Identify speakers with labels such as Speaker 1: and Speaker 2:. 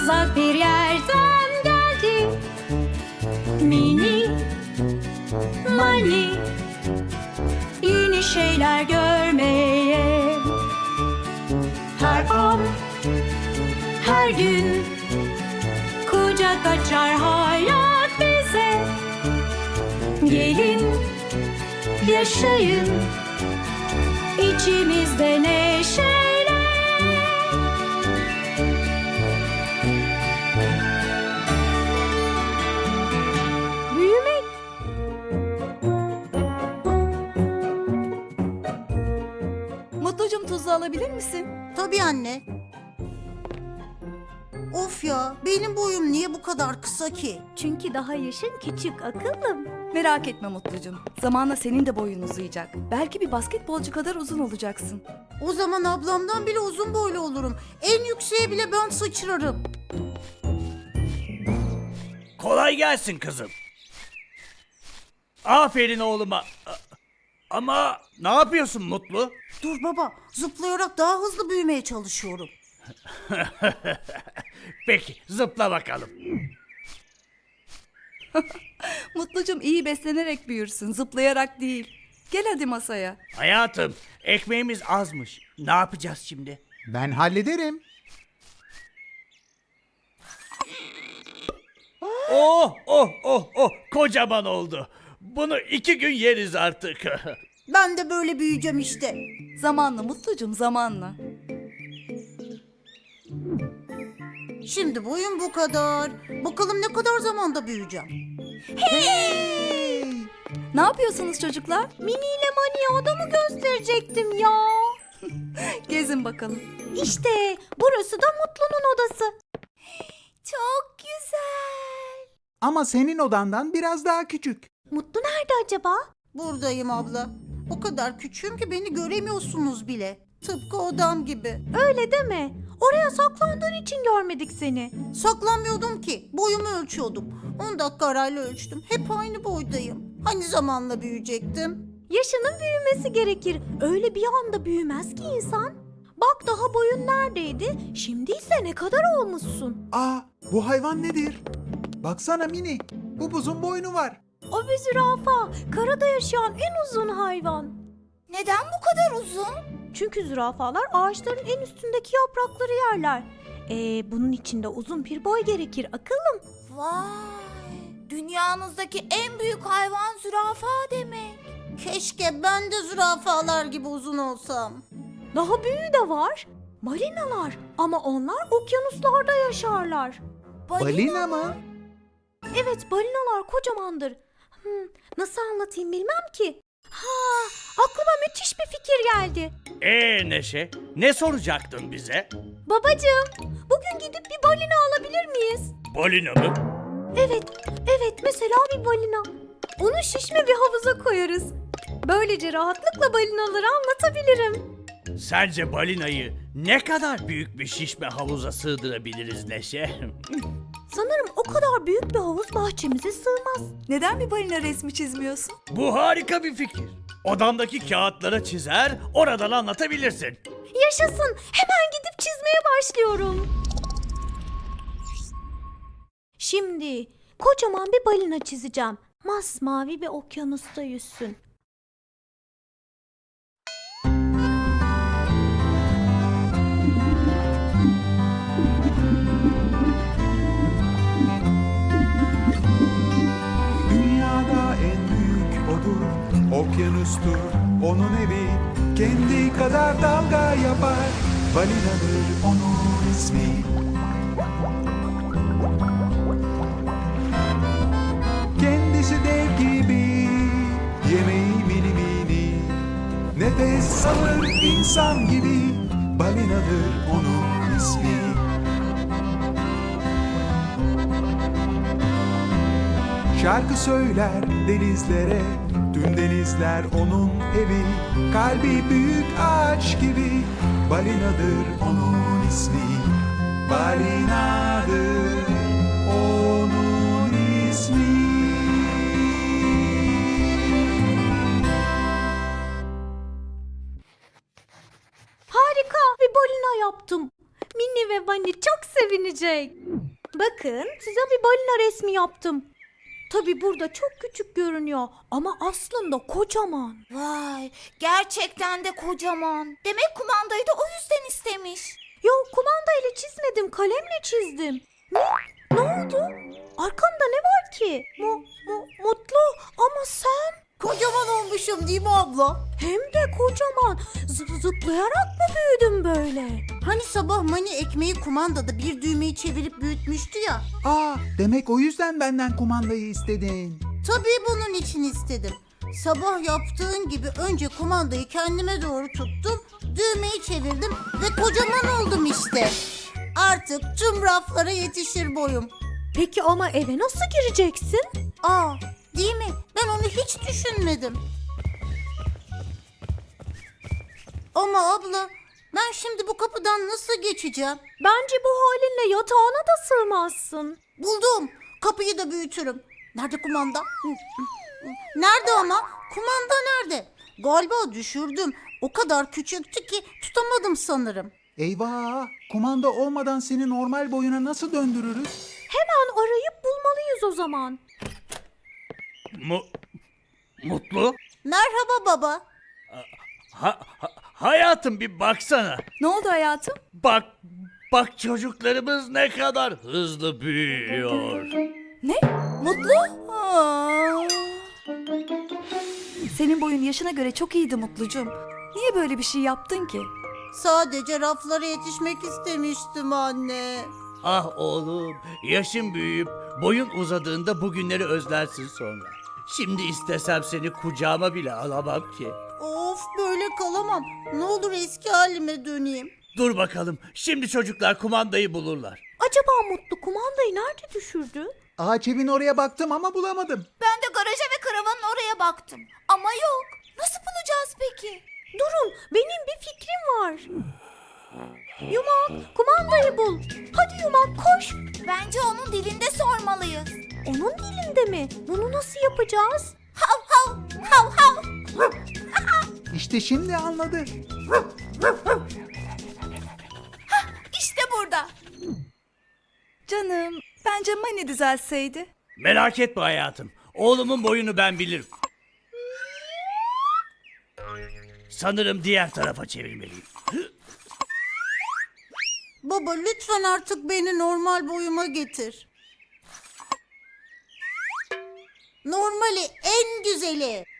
Speaker 1: uzak bir yerden geldi. Mini Mani, yeni şeyler görmeye. Her an, her gün kucak açar hayat bize. Gelin, yaşayın içimizde neşeyle. Büyümek.
Speaker 2: Mutlucum, tuzlu alabilir misin?
Speaker 3: Tabii anne. Of ya, benim boyum niye bu kadar kısa ki?
Speaker 1: Çünkü daha yaşın küçük akıllım.
Speaker 2: Merak etme Mutlucum. Zamanla senin de boyun uzayacak. Belki bir basketbolcu kadar uzun olacaksın.
Speaker 3: O zaman ablamdan bile uzun boylu olurum. En yükseğe bile ben sıçrarım.
Speaker 4: Kolay gelsin kızım. Aferin oğluma. Ama ne yapıyorsun Mutlu?
Speaker 3: Dur baba, zıplayarak daha hızlı büyümeye çalışıyorum.
Speaker 4: Peki zıpla bakalım.
Speaker 2: Mutlucum, iyi beslenerek büyürsün, zıplayarak değil. Gel hadi masaya.
Speaker 4: Hayatım, ekmeğimiz azmış. Ne yapacağız şimdi?
Speaker 5: Ben hallederim.
Speaker 4: Oh oh oh oh, kocaman oldu. Bunu 2 gün yeriz artık.
Speaker 3: Ben de böyle büyüyeceğim işte.
Speaker 2: Zamanla Mutlucum, zamanla.
Speaker 3: Şimdi boyum bu kadar. Bakalım ne kadar zamanda büyüyeceğim.
Speaker 2: Ne yapıyorsunuz çocuklar?
Speaker 1: Mini ile Mani'ye odamı gösterecektim ya.
Speaker 2: Gezin bakalım.
Speaker 1: İşte burası da Mutlu'nun odası. Çok güzel.
Speaker 5: Ama senin odandan biraz daha küçük.
Speaker 1: Mutlu nerede acaba?
Speaker 3: Buradayım abla. O kadar küçüğüm ki beni göremiyorsunuz bile. Tıpkı odam gibi.
Speaker 1: Öyle deme. Oraya saklandığın için görmedik seni.
Speaker 3: Saklanmıyordum ki. Boyumu ölçüyordum. 10 dakika arayla ölçtüm. Hep aynı boydayım. Hani zamanla büyüyecektim?
Speaker 1: Yaşının büyümesi gerekir. Öyle bir anda büyümez ki insan. Bak daha boyun neredeydi? Şimdi ise ne kadar olmuşsun.
Speaker 5: Aa, bu hayvan nedir? Baksana Mini, upuzun boynu var.
Speaker 1: O bir zürafa. Karada yaşayan en uzun hayvan.
Speaker 3: Neden bu kadar uzun?
Speaker 1: Çünkü zürafalar ağaçların en üstündeki yaprakları yerler. Bunun için de uzun bir boy gerekir akıllım.
Speaker 6: Vay! Dünyanızdaki en büyük hayvan zürafa demek.
Speaker 3: Keşke ben de zürafalar gibi uzun olsam.
Speaker 1: Daha büyüğü de var. Balinalar. Ama onlar okyanuslarda yaşarlar.
Speaker 5: Balina mı?
Speaker 1: Evet, balinalar kocamandır. Nasıl anlatayım bilmem ki. Aklıma müthiş bir fikir geldi.
Speaker 4: Neşe, ne soracaktın bize?
Speaker 1: Babacığım, bugün gidip bir balina alabilir miyiz?
Speaker 4: Balina mı?
Speaker 1: Evet, mesela bir balina. Onu şişme bir havuza koyarız. Böylece rahatlıkla balinaları anlatabilirim.
Speaker 4: Sence balinayı ne kadar büyük bir şişme havuza sığdırabiliriz Neşe?
Speaker 1: Sanırım o kadar büyük bir havuz bahçemize sığmaz.
Speaker 2: Neden bir balina resmi çizmiyorsun?
Speaker 4: Bu harika bir fikir. Odamdaki kağıtlara çizer, oradan anlatabilirsin.
Speaker 1: Yaşasın, hemen gidip çizmeye başlıyorum. Şimdi kocaman bir balina çizeceğim. Masmavi bir okyanusta yüzsün.
Speaker 7: Dünyada en büyük odur, okyanustur onun evi. Kendi kadar dalga yapar, balinadır onun ismi. Kendisi dev gibi, yemeği mini mini. Nefes alır insan gibi, balinadır onun ismi. Şarkı söyler denizlere, tüm denizler onun evi. Kalbi büyük ağaç gibi, balinadır onun ismi. Balinadır onun ismi.
Speaker 1: Harika bir balina yaptım. Minnie ve Bunny çok sevinir. eğlenecek. Bakın size bir balina resmi yaptım. Tabii burada çok küçük görünüyor ama aslında kocaman.
Speaker 6: Vay, gerçekten de kocaman. Demek kumandayı da o yüzden istemiş.
Speaker 1: Yok, kumandayla çizmedim, kalemle çizdim. Ne oldu? Arkanda ne var ki? Mutlu ama sen
Speaker 3: Kocaman olmuşum değil mi abla?
Speaker 1: hem de kocaman. Zıplayarak mı büyüdün böyle?
Speaker 3: Hani sabah Mani ekmeği kumandada bir düğmeyi çevirip büyütmüştü ya.
Speaker 5: Aa, demek o yüzden benden kumandayı istedin.
Speaker 3: Tabii bunun için istedim. Sabah yaptığın gibi önce kumandayı kendime doğru tuttum, düğmeyi çevirdim ve kocaman oldum işte. Artık tüm raflara yetişir boyum.
Speaker 1: Peki ama eve nasıl gireceksin?
Speaker 3: Aa, değil mi? Ben onu hiç düşünmedim. Ama abla, ben şimdi bu kapıdan nasıl geçeceğim?
Speaker 1: Bence bu halinle yatağına da sığmazsın.
Speaker 3: Buldum. Kapıyı da büyütürüm. Nerede kumanda? Nerede ama? Kumanda nerede? Galiba düşürdüm. O kadar küçüktü ki tutamadım sanırım.
Speaker 5: Eyvah! Kumanda olmadan seni normal boyuna nasıl döndürürüz?
Speaker 1: Hemen arayıp bulmalıyız o zaman.
Speaker 4: Mutlu?
Speaker 3: Merhaba baba.
Speaker 4: Hayatım bir baksana.
Speaker 2: Ne oldu hayatım?
Speaker 4: Bak çocuklarımız ne kadar hızlı büyüyor.
Speaker 2: Ne? Mutlu? Aa. Senin boyun yaşına göre çok iyiydi Mutlucuğum. Niye böyle bir şey yaptın ki?
Speaker 3: Sadece raflara yetişmek istemiştim anne.
Speaker 4: Ah oğlum, yaşın büyüyüp boyun uzadığında bugünleri özlersin sonra. Şimdi istesem seni kucağıma bile alamam ki.
Speaker 3: Of, böyle kalamam. Ne olur eski halime döneyim.
Speaker 4: Dur bakalım, şimdi çocuklar kumandayı bulurlar.
Speaker 1: Acaba Mutlu kumandayı nerede düşürdü?
Speaker 5: Ağaç evin oraya baktım ama bulamadım.
Speaker 6: Ben de garaja ve karavanın oraya baktım. Ama yok. Nasıl bulacağız peki?
Speaker 1: Durun, benim bir fikrim var. Yumak, kumandayı bul. Hadi Yumak, koş.
Speaker 6: Bence onun dilinde sormalıyız.
Speaker 1: Onun dilinde mi? Bunu nasıl yapacağız?
Speaker 6: Hav hav hav hav.
Speaker 5: İşte şimdi anladı.
Speaker 6: İşte burada.
Speaker 2: Canım, bence Mani düzelseydi.
Speaker 4: Merak etme hayatım, oğlumun boyunu ben bilirim. Sanırım diğer tarafa çevirmeliyim.
Speaker 3: Baba, lütfen artık beni normal boyuma getir. Normali en güzeli.